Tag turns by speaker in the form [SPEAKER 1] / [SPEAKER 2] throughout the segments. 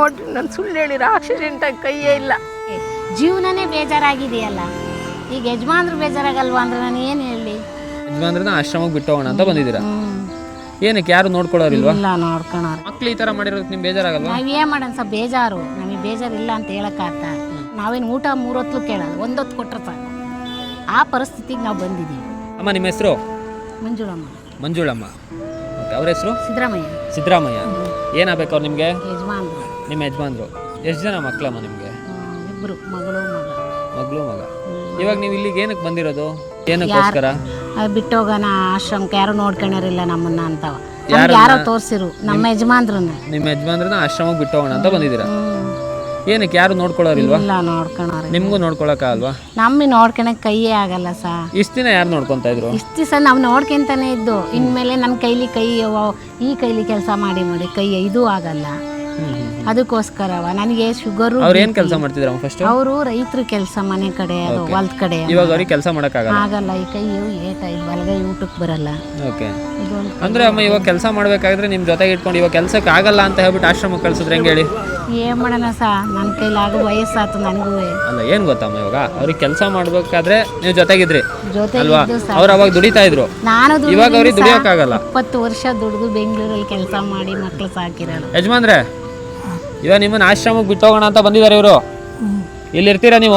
[SPEAKER 1] ನೋಡ್ರಿ ನಾನು ಸುಳ್ಳು ಹೇಳಿರ ಆಕ್ಸಿಡೆಂಟ್ ಆಗಿ ಕೈಯೇ ಇಲ್ಲ.
[SPEAKER 2] ಜೀವನನೇ ಬೇಜಾರಾಗಿದೆಯಲ್ಲ, ಈಗ ಯಜಮಾನ್ರು ಬೇಜಾರಾಗಲ್ವಾ ಅಂದ್ರೆ ನಾನು ಏನು ಹೇಳಿ?
[SPEAKER 3] ಯಜಮಾನ್ರನ್ನ ಆಶ್ರಮಕ್ಕೆ ಬಿಟ್ಟು ಹೋಗೋಣ ಅಂತ ಬಂದಿದ್ದೀರಾ? ಏನಕ್ಕೆ ಯಾರು ನೋಡ್ಕೊಳ್ಳೋರಿಲ್ವಾ?
[SPEAKER 2] ಇಲ್ಲ, ನೋಡ್ಕೊಳೋರು.
[SPEAKER 3] ಮಕ್ಳು ಈ ತರ ಮಾಡಿರೋದಕ್ಕೆ ನಿಮ್ಗೆ ಬೇಜಾರಾಗಲ್ವಾ?
[SPEAKER 2] ನಾವ್ ಏನ್ ಮಾಡೋಣ ಸರ್, ಬೇಜಾರು. ನಮಗೆ ಬೇಜಾರಿಲ್ಲ ಅಂತ ಹೇಳಕ್ಕಾಗ್ತ? ನಾವೇನು ಊಟ 3 ಹೊತ್ತು ಕೇಳೋದು, 1 ಹೊತ್ತು ಕೊಟ್ರೆ ಸಾಕು. ಆ ಪರಿಸ್ಥಿತಿಗೆ ನಾವು ಬಂದಿದ್ದೀವಿ.
[SPEAKER 3] ಅಮ್ಮ ನಿಮ್ಮ ಹೆಸರು?
[SPEAKER 2] ಮಂಜುಳಮ್ಮ.
[SPEAKER 3] ಮಂಜುಳಮ್ಮ. ಓಕೆ, ಅವ್ರ ಹೆಸರು?
[SPEAKER 2] ಸಿದ್ದರಾಮಯ್ಯ.
[SPEAKER 3] ಸಿದ್ದರಾಮಯ್ಯ. ಏನಾಗಬೇಕು ಅವ್ರು ನಿಮಗೆ?
[SPEAKER 2] ಯಜಮಾನ್ರು.
[SPEAKER 3] ನಿಮ್ಮ ಯಜಮಾನ್ರು. ಎಷ್ಟು ಜನ ಮಕ್ಕಳಮ್ಮ ನಿಮಗೆ?
[SPEAKER 2] 2 ಮಗಳು ಮಗ.
[SPEAKER 3] ಮಗಳು ಮಗ. ಇವಾಗ ನೀವು ಇಲ್ಲಿಗೆ ಏನಕ್ಕೆ ಬಂದಿರೋದು? ಏನಕ್ಕೋಸ್ಕರ?
[SPEAKER 2] ಬಿಟ್ಟು ಹೋಗೋಣ ಆಶ್ರಮಕ್ಕೆ, ಯಾರು ನೋಡ್ಕೊಳರಿಲ್ಲ ನಮ್ಮನ್ನ ಅಂತವ. ಯಾರೋ ತೋರ್ಸಿರು ನಮ್ಮ ಯಜಮಾನ್ರನ್ನ.
[SPEAKER 3] ನಿಮ್ಮ ಯಜಮಾನ್ರನ್ನ ಆಶ್ರಮಕ್ಕೆ ಬಿಟ್ಟು ಹೋಗೋಣ ಅಂತ ಬಂದಿದ್ದೀರಾ? ಏನಕ್ಕೆ ಯಾರು ನೋಡ್ಕೊಳ್ಳೋರಿಲ್ವಾ?
[SPEAKER 2] ಇಲ್ಲ, ನೋಡ್ಕೊಳೋರು.
[SPEAKER 3] ನಿಮ್ಗೂ ನೋಡ್ಕೊಳಕ್ಕಾಗಲ್ವಾ?
[SPEAKER 2] ನಮ್ಮಿ ನೋಡ್ಕೊಳಕ್ ಕೈಯೇ ಆಗಲ್ಲ ಸಾ.
[SPEAKER 3] ಇಷ್ಟು ದಿನ ಯಾರು ನೋಡ್ಕೊಂತ ಇದ್ರು?
[SPEAKER 2] ಇಷ್ಟು ದಿವಸ ನಾವು ನೋಡ್ಕೊಂತಾನೆ ಇದ್ದು. ಇನ್ಮೇಲೆ ನನ್ನ ಕೈಲಿ ಈ ಕೈಲಿ ಕೆಲಸ ಮಾಡಿ ಕೈ ಇದು ಆಗಲ್ಲ. ಅದಕ್ಕೋಸ್ಕರವ ನನಗೆ ಶುಗರು.
[SPEAKER 3] ಅವ್ರು ಏನ್ ಕೆಲಸ ಮಾಡ್ತಿದ್ರು ಫಸ್ಟ್?
[SPEAKER 2] ಅವರು ರೈತರ ಕೆಲಸ, ಮನೆ ಕಡೆ, ಅದು ಹೊಲದ ಕಡೆ.
[SPEAKER 3] ಇವಾಗ ಅವ್ರಿಗೆ ಕೆಲಸ ಮಾಡಕ್ಕಾಗಲ್ಲ?
[SPEAKER 2] ಆಗಲ್ಲ, ಈ ಕೈ ಏಟ ಇದು ಬಲಗೈ ಊಟಕ್ಕೆ ಬರಲ್ಲ.
[SPEAKER 3] ಓಕೆ. ಅಂದ್ರೆ ಅಮ್ಮ ಇವಾಗ ಕೆಲಸ ಮಾಡ್ಬೇಕಾದ್ರೆ ನಿಮ್ ಜೊತೆಗೆ ಇಟ್ಕೊಂಡು ಇವಾಗ ಕೆಲ್ಸಕ್ಕೆ ಆಗಲ್ಲ ಅಂತ ಹೇಳ್ಬಿಟ್ಟು ಆಶ್ರಮಕ್ಕೆ ಕಳ್ಸಿದ್ರೆ ಹೆಂಗೆ ಹೇಳಿ?
[SPEAKER 2] ಏನ್ ಮಾಡೋಣ ಸಾ, ನನ್ನ ಕೈಲಾಗ ವಯಸ್ಸಾತು ನನಗೂ.
[SPEAKER 3] ಅಲ್ಲ, ಏನ್ ಗೊತ್ತಮ್ಮ, ಇವಾಗ ಅವ್ರಿಗೆ ಕೆಲಸ ಮಾಡ್ಬೇಕಾದ್ರೆ ನೀವು ಜೊತೆಗಿದ್ರಿ ಅಲ್ವಾ?
[SPEAKER 2] ಜೊತೆಗೆ
[SPEAKER 3] ಅವ್ರು ಅವಾಗ ದುಡಿತಾ ಇದ್ರು,
[SPEAKER 2] ನಾನು
[SPEAKER 3] ಇವಾಗ ಅವ್ರಿಗೆ ದುಡಿಯೋಕ್ಕಾಗಲ್ಲ.
[SPEAKER 2] 20 ವರ್ಷ ದುಡಿದು ಬೆಂಗಳೂರಲ್ಲಿ ಕೆಲಸ ಮಾಡಿ ಮಕ್ಳು ಸಾಕಿರೋದು.
[SPEAKER 3] ಯಜಮಾನ್ರೆ, ಇವಾಗ ನಿಮ್ಮನ್ನ ಆಶ್ರಮಕ್ಕೆ ಬಿಟ್ಟು ಹೋಗೋಣ ಅಂತ ಬಂದಿದ್ದಾರೆ ಇವರು. ಇಲ್ಲಿ ಇರ್ತೀರಾ ನೀವು?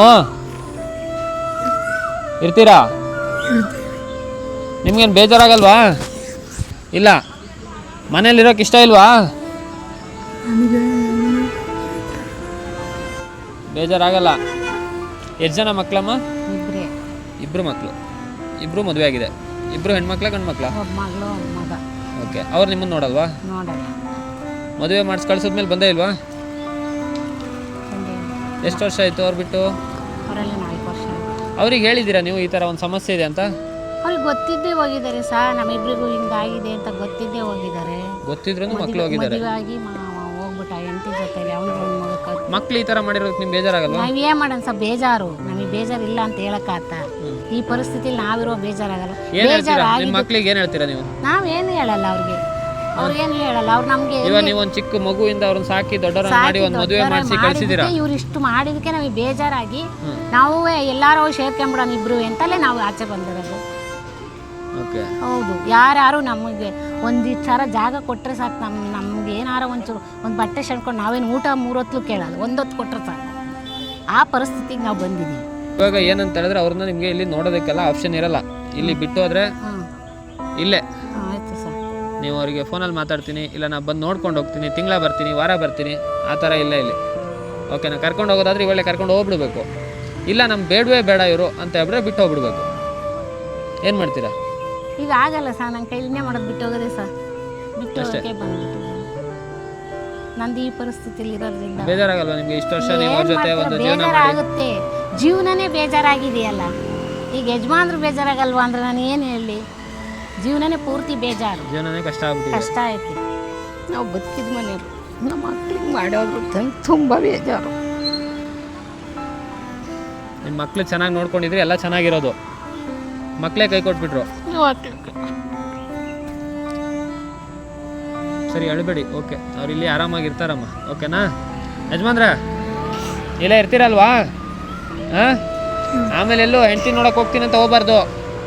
[SPEAKER 3] ಇರ್ತೀರಾ? ನಿಮ್ಗೇನು ಬೇಜಾರಾಗಲ್ವಾ? ಇಲ್ಲ, ಮನೇಲಿರೋಕೆ ಇಷ್ಟ ಇಲ್ವಾ? ಬೇಜಾರಾಗಲ್ಲ. ಎಷ್ಟು ಜನ ಮಕ್ಕಳಮ್ಮ? ಇಬ್ರು ಮಕ್ಕಳು. ಇಬ್ರು ಮದುವೆ ಆಗಿದೆ. ಇಬ್ರು ಹೆಣ್ಮಕ್ಳ ಗಂಡು ಮಕ್ಕಳ?
[SPEAKER 2] ಮಗಳು ಮಗ.
[SPEAKER 3] ಓಕೆ. ಅವ್ರು ನಿಮ್ಮನ್ನು ನೋಡಲ್ವಾ?
[SPEAKER 2] ನೋಡಲ್ಲ.
[SPEAKER 3] ಮದುವೆ ಮಾಡಿಸಿ ಕಳ್ಸಿದ್ಮೇಲೆ ಬಂದೇ ಇಲ್ವಾ? ಎಷ್ಟು ವರ್ಷ ಆಯಿತು ಅವ್ರು ಬಿಟ್ಟು?
[SPEAKER 2] ಅವರೆಲ್ಲ 4 ವರ್ಷ.
[SPEAKER 3] ಅವ್ರಿಗೆ ಹೇಳಿದ್ದೀರಾ ನೀವು ಈ ಥರ ಒಂದು ಸಮಸ್ಯೆ ಇದೆ ಅಂತ?
[SPEAKER 2] ಅವ್ರಿಗೆ ಗೊತ್ತಿದ್ದೇ ಹೋಗಿದ್ದಾರೆ ಸಾ, ನಮ್ಮಿಬ್ರಿಗೂ ಹಿಂಗಾಗಿದೆ ಅಂತ ಗೊತ್ತಿದ್ದೇ ಹೋಗಿದ್ದಾರೆ.
[SPEAKER 3] ಗೊತ್ತಿದ್ರು ಮಕ್ಕಳು ಹೋಗಿದ್ದಾರೆ.
[SPEAKER 2] ಮದುವೆ ಆಗಿ ಹೋಗ್ಬಿಟ್ಟ ಹೆಂಡತಿ ಜೊತೆಲಿ. ಅವ್ನಿಗೆ
[SPEAKER 3] ಮಕ್ಳು ಈ ಥರ ಮಾಡಿರೋದಕ್ಕೆ ನಿಮ್ಗೆ ಬೇಜಾರಾಗಲ್ವಾ?
[SPEAKER 2] ನಾವ್ ಏನ್ ಮಾಡೋಣ ಸರ್, ಬೇಜಾರು. ನಮಗೆ ಬೇಜಾರಿಲ್ಲ ಅಂತ ಹೇಳಕ್ಕಾಗ್ತ? ಈ ಪರಿಸ್ಥಿತಿಲಿ ನಾವಿರೋ ಬೇಜಾರಾಗಲ್ಲ.
[SPEAKER 3] ನಿಮ್ಮ ಮಕ್ಳಿಗೆ ಏನು ಹೇಳ್ತೀರಾ ನೀವು?
[SPEAKER 2] ನಾವೇನು ಹೇಳಲ್ಲ ಅವ್ರಿಗೇನು ಹೇಳಲ್ಲ. ಅವ್ರು ನಮ್ಗೆ
[SPEAKER 3] ಇವಾಗ ನೀವು ಒಂದು ಚಿಕ್ಕ ಮಗುವಿಂದ ಅವ್ರನ್ನ ಸಾಕಿ ದೊಡ್ಡವರ ಮಾಡಿ ಒಂದು ಮದುವೆ ಮಾಡಿಸಿ ಕಳಿಸಿದ್ದೀರಾ.
[SPEAKER 2] ಇವ್ರು ಇಷ್ಟು ಮಾಡಿದಕ್ಕೆ ನಮಗೆ ಬೇಜಾರಾಗಿ ನಾವು ಎಲ್ಲಾರು ಸೇರ್ಕೊಂಡ್ಬಿಡೋಣ ಇಬ್ರು ಅಂತಲೇ ನಾವು ಆಚೆ ಬಂದಿರೋದು. ಹೌದು, ಯಾರು ನಮಗೆ ಒಂದಿಷ್ಟಾರ ಜಾಗ ಕೊಟ್ಟರೆ ಸಾಕು. ನಮ್ಗೆ ಏನಾರ ಒಂಚೂರು ಒಂದು ಬಟ್ಟೆ ಶಣ್ಕೊಂಡು ನಾವೇನು ಊಟ 3 ಹೊತ್ತು ಕೇಳೋದು, 1 ಹೊತ್ತು ಕೊಟ್ಟರೆ ಸಾಕು. ಆ ಪರಿಸ್ಥಿತಿಗೆ ನಾವು ಬಂದಿದ್ದೀವಿ.
[SPEAKER 3] ಇವಾಗ ಏನಂತ ಹೇಳಿದ್ರೆ ಅವ್ರನ್ನ ನಿಮಗೆ ಇಲ್ಲಿ ನೋಡೋದಕ್ಕೆಲ್ಲ ಆಪ್ಷನ್ ಇರಲ್ಲ. ಇಲ್ಲಿ ಬಿಟ್ಟು ಹೋದ್ರೆ ಇಲ್ಲೇ
[SPEAKER 2] ಆಯ್ತು ಸರ್,
[SPEAKER 3] ನೀವು ಅವರಿಗೆ ಫೋನಲ್ಲಿ ಮಾತಾಡ್ತೀನಿ, ಇಲ್ಲ ನಾನು ಬಂದು ನೋಡ್ಕೊಂಡು ಹೋಗ್ತೀನಿ, ತಿಂಗಳ ಬರ್ತೀನಿ, ವಾರ ಬರ್ತೀನಿ, ಆ ಥರ ಇಲ್ಲ ಇಲ್ಲಿ. ಓಕೆನಾ? ಕರ್ಕೊಂಡು ಹೋಗೋದಾದ್ರೆ ಇವಾಗಲೇ ಕರ್ಕೊಂಡು ಹೋಗ್ಬಿಡ್ಬೇಕು. ಇಲ್ಲ ನಮ್ಗೆ ಬೇಡವೇ ಬೇಡ ಇವರು ಅಂತ ಹೇಳಿದ್ರೆ ಬಿಟ್ಟು ಹೋಗ್ಬಿಡ್ಬೇಕು. ಏನು ಮಾಡ್ತೀರಾ?
[SPEAKER 2] ಈಗ ಆಗಲ್ಲ ಸರ್, ನನ್ನ ಕೈಲಿನೇ ಮಾಡೋದು. ಬಿಟ್ಟು ಹೋಗೋದೇ ಸರ್, ಬಿಟ್ಟು ಹೋಗೋಕ್ಕೆ ಬಂದ್ಬಿಟ್ಟು ನಂದು ಈ ಪರಿಸ್ಥಿತಿಲಿ ಇರೋದ್ರಿಂದ.
[SPEAKER 3] ಬೇಜಾರಾಗಲ್ವಾ ನಿಮಗೆ? ಇಷ್ಟು ವರ್ಷ ನೀವು ಅವ್ರ ಜೊತೆ ಒಂದು ಜೀವನ ಮಾಡಿ.
[SPEAKER 2] ಬೇಜಾರಾಗುತ್ತೆ, ಜೀವನನೇ ಬೇಜಾರಾಗಿದೆಯಲ್ಲ. ಈಗ ಯಜಮಾನ್ರು ಬೇಜಾರಾಗಲ್ವಾ ಅಂದ್ರೆ ನಾನು ಏನು ಹೇಳಿ? ಜೀವನನೇ ಪೂರ್ತಿ ಬೇಜಾರು,
[SPEAKER 3] ಜೀವನನೇ ಕಷ್ಟ ಆಗ್ಬಿಟ್ಟಿದೆ.
[SPEAKER 2] ಕಷ್ಟ ಐತಿ.
[SPEAKER 1] ನಾವು ಬದುಕಿದ ಮನೆಯವರು ನಮ್ಮ ಮಕ್ಳಿಗೆ ಮಾಡೋದು ತುಂಬ ಬೇಜಾರು.
[SPEAKER 3] ನಿಮ್ಮ ಮಕ್ಳು ಚೆನ್ನಾಗಿ ನೋಡ್ಕೊಂಡಿದ್ರೆ ಎಲ್ಲ ಚೆನ್ನಾಗಿರೋದು. ಮಕ್ಕಳೇ ಕೈ ಕೊಟ್ಬಿಟ್ರು. ಸರಿ, ಅಳಬೇಡಿ. ಓಕೆ, ಅವ್ರು ಇಲ್ಲಿ ಆರಾಮಾಗಿರ್ತಾರಮ್ಮ. ಓಕೆನಾ ಯಜಮಾನ್ರ? ಇಲ್ಲೇ ಇರ್ತೀರಲ್ವಾ? ಹಾಂ, ಆಮೇಲೆ ಎಲ್ಲೋ ಹೆಂಡತಿ ನೋಡಕ್ಕೆ ಹೋಗ್ತೀನಿ ಅಂತ ಹೋಗ್ಬಾರ್ದು.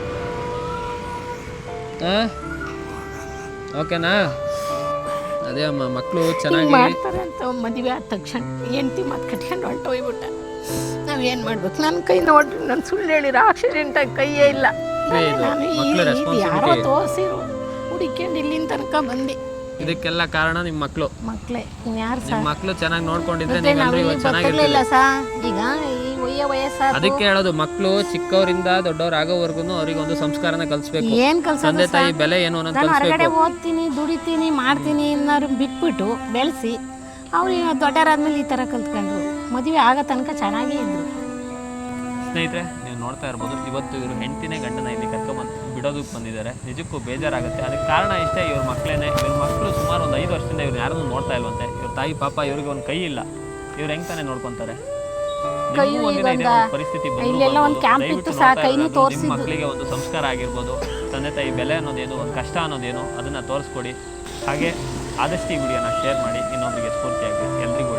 [SPEAKER 3] ಹಾಂ, ಓಕೆನಾ? ಅದೇ ಅಮ್ಮ, ಮಕ್ಕಳು ಚೆನ್ನಾಗಿ
[SPEAKER 1] ಮಾಡ್ತಾರೆ ಅಂತ ಮದುವೆ ಆದ ತಕ್ಷಣ ಹೆಂಡತಿ ಮಾತು ಕಟ್ಕೊಂಡು ಹೊಂಟೋಗ್ಬಿಟ್ಟ. ನಾವೇನು ಮಾಡ್ಬೇಕು? ನನ್ನ ಕೈ ನೋಡ್ರಿ ನಾನು ಸುಳ್ಳು ಹೇಳಿರ ಆಕ್ಸಿಡೆಂಟ್ ಆಗಿ ಕೈಯೇ ಇಲ್ಲ. ನಾನು ಯಾರೋ ತೋರಿಸಿರು ಹುಡುಕೊಂಡು ಇಲ್ಲಿನ ತನಕ ಬಂದೆ.
[SPEAKER 3] ಇದಕ್ಕೆಲ್ಲ ಕಾರಣ ನಿಮ್ಮ ಮಕ್ಕಳು.
[SPEAKER 2] ಮಕ್ಕಳೇ, ಇನ್ಯಾರು
[SPEAKER 3] ನಿಮ್ಮ ಮಕ್ಕಳು ಚೆನ್ನಾಗಿ ನೋಡ್ಕೊಂಡಿದ್ರೆ
[SPEAKER 2] ಚೆನ್ನಾಗಿರ್ಲಿಲ್ಲ ಸಾ. ಈಗ ಈ ವಯಸ್ಸಾದ
[SPEAKER 3] ಅದಕ್ಕೆ ಹೇಳೋದು, ಮಕ್ಕಳು ಚಿಕ್ಕವರಿಂದ ದೊಡ್ಡವರಾಗೋವರೆಗೂ ಅವ್ರಿಗೆ ಒಂದು ಸಂಸ್ಕಾರನ ಕಲಿಸ್ಬೇಕು.
[SPEAKER 2] ಏನ್ ಕಲ್ಸೋದು?
[SPEAKER 3] ತಂದೆ ತಾಯಿ ಬೆಲೆ ಏನು ಅನ್ನೋದು
[SPEAKER 2] ಹೊರಗಡೆ ಓದ್ತೀನಿ, ದುಡಿತೀನಿ, ಮಾಡ್ತೀನಿ ಅನ್ನೋರು ಬಿಟ್ಬಿಟ್ಟು ಬೆಳೆಸಿ ಅವ್ರು ದೊಡ್ಡರಾದ್ಮೇಲೆ ಈ ಥರ ಕಲ್ತ್ಕೊಂಡ್ರು. ಮದುವೆ ಆಗೋ ತನಕ ಚೆನ್ನಾಗೇ ಇದ್ರು.
[SPEAKER 3] ಸ್ನೇಹಿತರೆ, ನೀವು ನೋಡ್ತಾ ಇರ್ಬೋದು, ಇವತ್ತು ಇವರು ಹೆಂಡತಿನೇ ಗಂಡನ ಇಲ್ಲಿ ಕರ್ಕೊಂಬಂದು ಬಿಡೋದಕ್ಕೆ ಬಂದಿದ್ದಾರೆ. ನಿಜಕ್ಕೂ ಬೇಜಾರಾಗುತ್ತೆ. ಅದಕ್ಕೆ ಕಾರಣ ಇಷ್ಟೇ, ಇವ್ರ ಮಕ್ಕಳೇನೆ. ಇವ್ರ ಮಕ್ಕಳು ಸುಮಾರು ಒಂದು 5 ವರ್ಷದಿಂದ ಇವ್ರು ಯಾರನ್ನೂ ನೋಡ್ತಾ ಇಲ್ವಂತೆ. ಇವ್ರ ತಾಯಿ ಪಾಪ ಇವ್ರಿಗೆ ಒಂದು ಕೈ ಇಲ್ಲ. ಇವ್ರು ಹೆಂಗೆ ತಾನೇ ನೋಡ್ಕೊತಾರೆ? ಪರಿಸ್ಥಿತಿ ಮಕ್ಕಳಿಗೆ ಒಂದು ಸಂಸ್ಕಾರ ಆಗಿರ್ಬೋದು, ತಂದೆ ತಾಯಿ ಬೆಲೆ ಅನ್ನೋದೇನು, ಒಂದು ಕಷ್ಟ ಅನ್ನೋದೇನು, ಅದನ್ನು ತೋರಿಸ್ಕೊಡಿ. ಹಾಗೆ ಆದಷ್ಟು ಈ ವಿಡಿಯೋನ ಶೇರ್ ಮಾಡಿ, ಇನ್ನೊಬ್ಬರಿಗೆ ಸ್ಫೂರ್ತಿಯಾಗಲಿ. ಎಲ್ರಿಗೂ